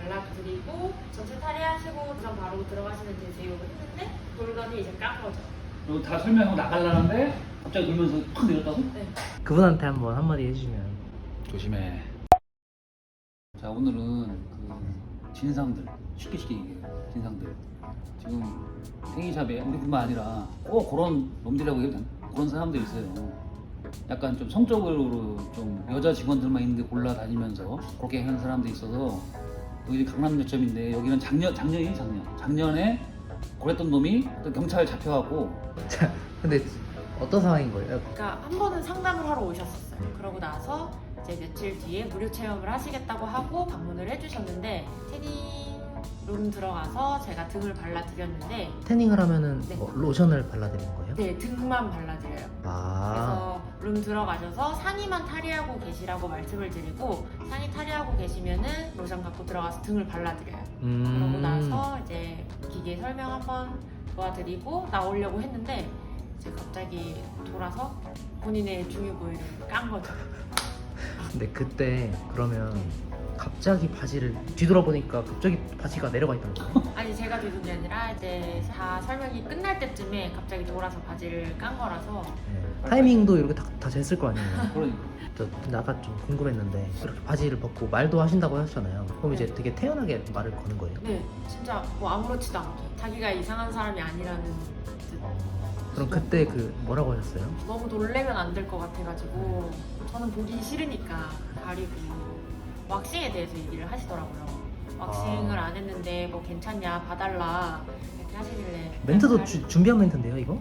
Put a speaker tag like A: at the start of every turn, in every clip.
A: 발라드리고 전체 탈의하시고 우선 바로 들어가시면 제 제육을 했는데 돌더니 이제 깐 거죠.
B: 그리고 다 설명하고 나가려는데 갑자기 돌면서 팍 내렸다고?
A: 네.
C: 그분한테 한번 한마디 해주시면.
B: 조심해. 자, 오늘은 그 진상들, 쉽게 얘기해요. 진상들. 지금 탱이샵에 우리뿐만 아니라 꼭 그런 놈들이라고 해도 되나? 그런 사람들이 있어요. 약간 좀 성적으로 좀 여자 직원들만 있는데 골라다니면서 그렇게 하는 사람들이 있어서 여기 강남역점인데 여기는 작년에 그랬던 놈이 또 경찰에 잡혀갖고.
C: 자, 근데 어떤 상황인 거예요?
A: 그러니까 한 번은 상담을 하러 오셨었어요. 그러고 나서 이제 며칠 뒤에 무료 체험을 하시겠다고 하고 방문을 해주셨는데 태닝룸 들어가서 제가 등을 발라드렸는데
C: 태닝을 하면은
A: 네.
C: 뭐 로션을 발라드리는 거예요?
A: 네, 등만 발라드려요.
C: 아,
A: 그래서 룸 들어가셔서 상의만 탈의하고 계시라고 말씀을 드리고 상의 탈의하고 계시면은 로션 갖고 들어가서 등을 발라드려요. 그러고 나서 이제 기계 설명 한번 도와드리고 나오려고 했는데 이제 갑자기 돌아서 본인의 중요 부위를 깐 거죠.
C: 근데 그때 그러면 갑자기 바지를 뒤돌아보니까 갑자기 바지가 내려가 있던 거예요?
A: 아니 제가 뒤둔 게 아니라 이제 다 설명이 끝날 때쯤에 갑자기 돌아서 바지를 깐 거라서
C: 네. 타이밍도 이렇게 다 쟀을 거 아니에요?
B: 그러니까.
C: 저 근데 아까 좀 궁금했는데 이렇게 바지를 벗고 말도 하신다고 하셨잖아요. 그럼 이제
A: 네.
C: 되게 태연하게 말을 거는 거예요?
A: 네 진짜 뭐 아무렇지도 않게 자기가 이상한 사람이 아니라는 듯
C: 그럼 그때 그 뭐라고 하셨어요?
A: 너무 놀래면 안 될 것 같아가지고 저는 보기 싫으니까 가리고 왁싱에 대해서 얘기를 하시더라고요. 왁싱을 안 했는데 뭐 괜찮냐 봐달라 이렇게 하시길래
C: 멘트도 준비한 멘트인데요, 이거?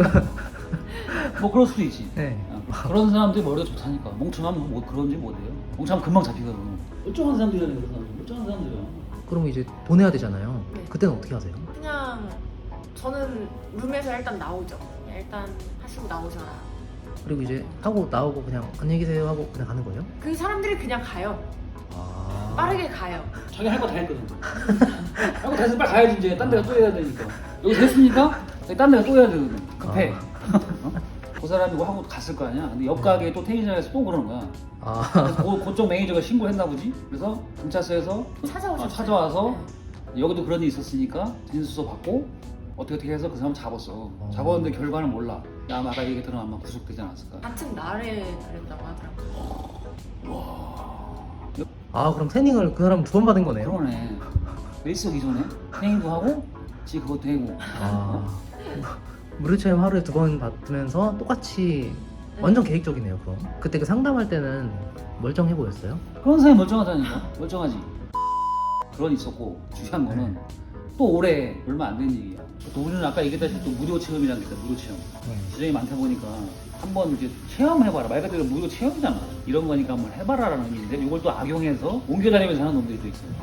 B: 뭐 그럴 수도 있지.
C: 네.
B: 그런 사람들이 머리가 좋다니까. 멍청하면 뭐 그런지 못해요. 멍청하면 금방 잡히거든. 멀쩡한 사람들이라는 그런 사람들. 멀쩡한 사람들이야.
C: 그럼 이제 보내야 되잖아요.
A: 네.
C: 그때는 어떻게 하세요?
A: 그냥 저는 룸에서 일단 나오죠. 일단 하시고 나오셔라.
C: 그리고 이제 하고 나오고 그냥 안녕히 계세요 하고 그냥 가는 거예요?
A: 그 사람들이 그냥 가요.
C: 아...
A: 빠르게 가요.
B: 자기 할 거 다 했거든. 할 거 다 해서 빨리 가야지 이제. 딴 데가 또 해야 되니까. 여기 됐으니까 딴 데가 또 해야 되거든. 급해. 어? 그 사람이 뭐 하고 갔을 거 아니야. 근데 옆 가게에 또 테니션에서 또 그러는 거야.
C: 아...
B: 그래서 그쪽 매니저가 신고를 했나 보지. 그래서 경찰서에서
A: 찾아오셨어요.
B: 찾아와서
A: 네.
B: 여기도 그런 일이 있었으니까 진술서 받고 어떻게 해서 그 사람 잡았어. 잡았는데 결과는 몰라. 야, 아마 아까 얘기했던 아마 구속되지 않았을까.
A: 같은 날에 그랬다고 하더라고요.
C: 아 그럼 태닝을 그 사람 두 번 받은 거네요?
B: 그러네. 일석이조네. 행위도 하고 지 그것도 해고.
C: 아... 무료 체험 하루에 두 번 받으면서 똑같이 완전 계획적이네요. 그럼 그때 그 상담할 때는 멀쩡해 보였어요?
B: 그런 사람이 멀쩡하다니까. 멀쩡하지. 그런 있었고 중요한 거는 또 올해 얼마 안 된 얘기야. 또 우리는 아까 얘기했다시피 또 무료 체험이라는 게 있다. 무료 체험. 지정이 많다 보니까 한번 이제 체험해봐라. 말 그대로 무료 체험이잖아. 이런 거니까 한번 해봐라라는 의미인데 이걸 또 악용해서 옮겨다니면서 하는 놈들이 또 있어요.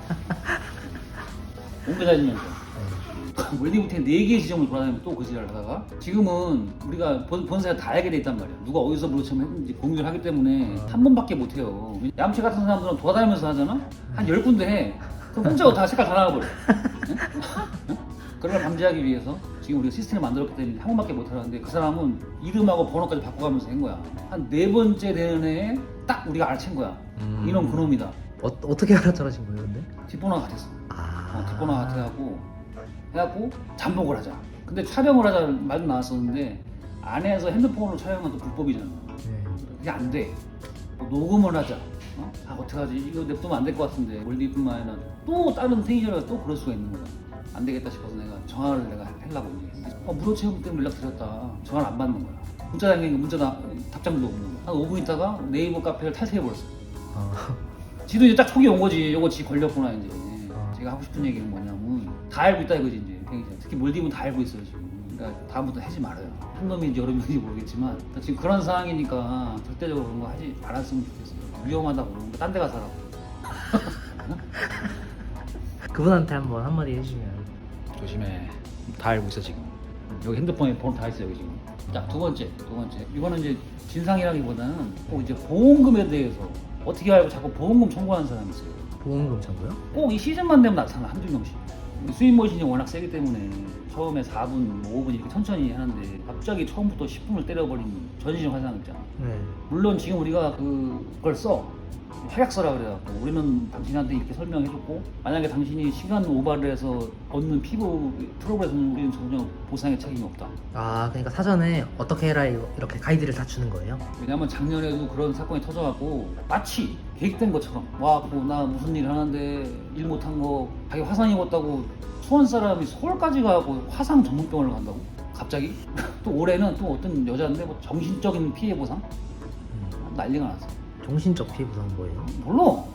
B: 옮겨다니면서. 웰디부터 4개의 지점을 돌아다니면 또 그 지랄을 하다가 지금은 우리가 본사에 다 알게 돼 있단 말이야. 누가 어디서 무료 체험 했는지 공유를 하기 때문에 한 번밖에 못 해요. 얌체 같은 사람들은 돌아다니면서 하잖아? 한 10군데 해. 그럼 혼자 다 색깔 다 나와버려. 응? 그런 걸 방지하기 위해서 지금 우리가 시스템을 만들었기 때문에 한 번밖에 못 하는데 그 사람은 이름하고 번호까지 바꿔가면서 한 거야. 한 4번째 되는 해에 딱 우리가 알아챈 거야. 이놈 그놈이다.
C: 어떻게 알아차리신 거예요 근데?
B: 뒷번호가 같았어.
C: 아...
B: 뒷번호가 같아갖고 해갖고 잠복을 하자. 근데 촬영을 하자 말도 나왔었는데 안에서 핸드폰으로 촬영은 또 불법이잖아.
C: 네.
B: 그게 안 돼. 뭐 녹음을 하자. 아 어떡하지? 이거 냅두면 안 될 것 같은데 월드뿐만 아니라 또 다른 테니저가 또 그럴 수가 있는 거야. 안 되겠다 싶어서 내가 전화를 내가 하려고 이제 무료 체험 때문에 연락드렸다. 전화를 안 받는 거야. 문자 당기니까 답장도 없는 거야. 한 5분 있다가 네이버 카페를 탈퇴해버렸어.
C: 아...
B: 지도 이제 딱 촉이 온 거지. 요거 지 걸렸구나 이제.
C: 아.
B: 제가 하고 싶은 얘기는 뭐냐면 다 알고 있다 이거지 이제. 특히 몰디브는 다 알고 있어요 지금. 그러니까 다음부터 하지 말아요. 한 놈인지 여러 명인지 모르겠지만 지금 그런 상황이니까 절대적으로 그런 거 하지 말았으면 좋겠어요. 위험하다고. 딴 데 가서 하라고.
C: 그분한테 한번 한마디 해주시면.
B: 조심해. 다 알고 있어 지금. 여기 핸드폰에 번호 다 있어 여기 지금. 자, 두 번째. 이거는 이제 진상이라기보다는 꼭 이제 보험금에 대해서 어떻게 알고 자꾸 보험금 청구하는 사람이 있어요.
C: 보험금 청구요?
B: 꼭 이 시즌만 되면 나타나 한두 명씩. 스윙머신이 워낙 세기 때문에 처음에 4분, 5분 이렇게 천천히 하는데 갑자기 처음부터 10분을 때려버린 전신 화상 있잖아.
C: 네.
B: 물론 지금 우리가 그걸 써 활약서라 그래갖고 우리는 당신한테 이렇게 설명해줬고 만약에 당신이 시간 오버를 해서 얻는 피부 트러블에서는 우리는 전혀 보상의 책임이 없다.
C: 아 그러니까 사전에 어떻게 해라 이렇게 가이드를 다 주는 거예요?
B: 왜냐면 작년에도 그런 사건이 터져갖고 마치 계획된 것처럼 와갖고 나 무슨 일 하는데 일 못한 거 자기 화상 입었다고 수원 사람이 서울까지 가고 화상 전문병원을 간다고? 갑자기? 또 올해는 또 어떤 여자인데 뭐 정신적인 피해 보상? 난리가 났어.
C: 정신적 피해 보상은 뭐예요?
B: 몰라.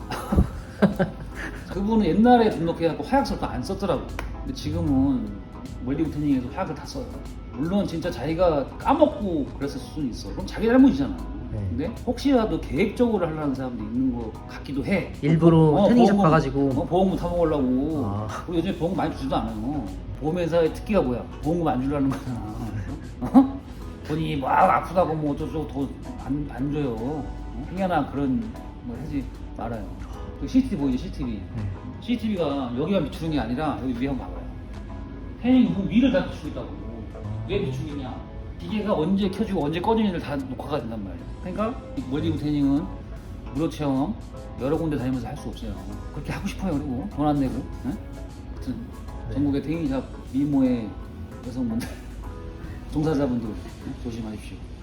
B: 그분은 옛날에 등록해갖고 화약서를 안 썼더라고. 근데 지금은 웰딩 트레이닝에서 화약을 다 써요. 물론 진짜 자기가 까먹고 그랬을 수는 있어. 그럼 자기 잘못이잖아.
C: 네.
B: 근데 혹시라도 계획적으로 하려는 사람도 있는 것 같기도 해.
C: 일부러 트레이닝샵
B: 보험금,
C: 가가지고
B: 보험금 타먹으려고.
C: 아.
B: 우리 요즘에 보험금 많이 주지도 않아요. 보험회사의 특기가 뭐야? 보험금 안 주려는 거잖아. 어? 본인이 막 아프다고 뭐 어쩌고 안 줘요. 희한한 그런 뭐 하지 말아요. 그 CCTV 보이죠? CCTV.
C: 네.
B: CCTV가 여기만 비추는 게 아니라 여기 위에 한번 봐봐요. 태닝 눈 위를 다 비추고 있다고. 왜 비추겠냐? 기계가 언제 켜지고 언제 꺼지는지를 다 녹화가 된단 말이에요. 그러니까 멀리브 태닝은 무료 체험 여러 군데 다니면서 할 수 없어요. 그렇게 하고 싶어요. 그리고 돈 안 내고. 네? 하여튼
C: 네.
B: 전국의 태닝샵 미모의 여성분들 종사자분들 조심하십시오.